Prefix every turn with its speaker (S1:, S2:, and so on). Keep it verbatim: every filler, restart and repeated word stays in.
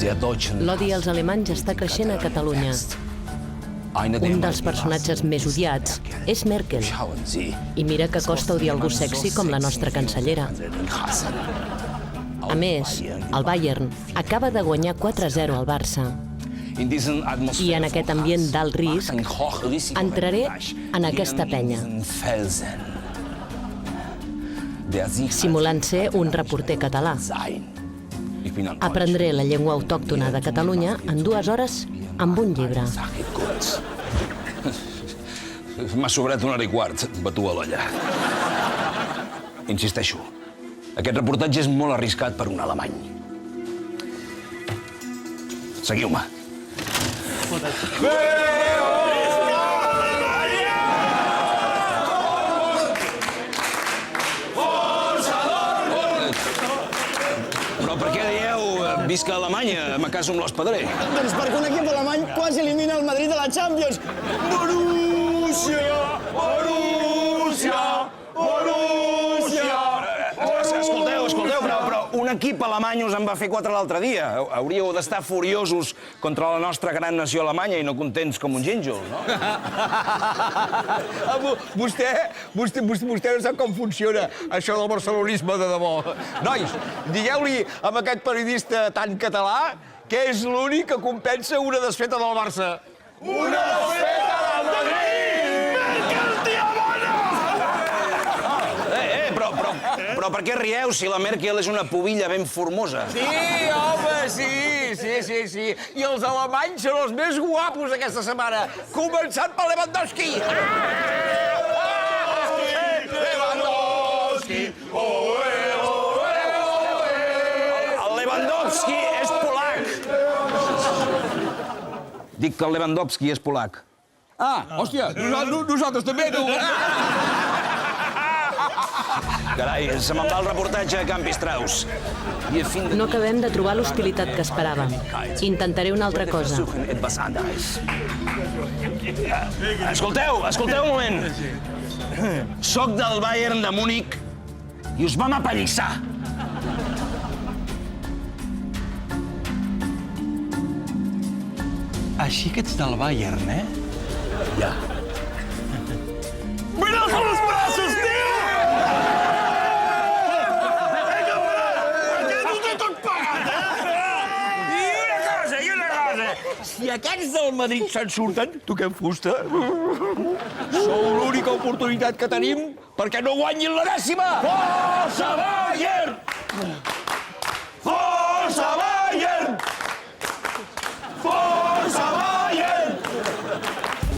S1: L'odi als alemanys està creixent a Catalunya. Un dels personatges més odiats és Merkel. I mira que costa odiar algú sexy com la nostra cancellera. A més, el Bayern acaba de guanyar quatre a zero al Barça. I en aquest ambient d'alt risc, entraré en aquesta penya, simulant ser un reporter català. Aprendré la llengua autòctona de Catalunya en dues hores amb un llibre.
S2: M'ha sobrat una hora i quart, batu a l'olla. Insisteixo, aquest reportatge és molt arriscat per un alemany. Seguiu-me. Però per què dieu visca Alemanya, me caso amb l'hospederer?
S3: Doncs perquè un equip alemany quasi elimina el Madrid de la Champions. Borussia! Borussia! Borussia!
S2: Escolteu, escolteu, però, però un equip alemany us en va fer quatre l'altre dia. Hauríeu d'estar furiosos contra la nostra gran nació alemanya i no contents com un gínjol, no?
S4: Vostè, vostè, vostè, vostè no sap com funciona això del barcelonisme de debò. Nois, digueu-li a aquest periodista tan català que és l'únic que compensa una desfeta del Barça. Una desfeta del Madrid! Merkel, tia bona!
S2: Eh, eh, però, però, però per què rieu si la Merkel és una pubilla ben formosa?
S4: Sí, home, sí, sí, sí, sí. I els alemanys són els més guapos aquesta setmana, començant per Lewandowski. Lewandowski!
S2: El Lewandowski és polac. Dic que el Lewandowski és polac.
S4: Ah, hòstia, nosaltres, nosaltres també, tu.
S2: Carai, se me'n va el reportatge a Camp Strauss.
S1: No acabem de trobar l'hostilitat que esperàvem. Intentaré una altra cosa.
S2: Escolteu, escolteu un moment. Soc del Bayern de Múnich i us vam apallissar.
S5: Així que ets del Bayern, eh?
S2: Ja.
S4: Mira els braços, tio! I una cosa, i una cosa. Si aquests del Madrid se'n surten, toquem fusta. Sou l'única oportunitat que tenim perquè no guanyin la dècima! Força Bayern!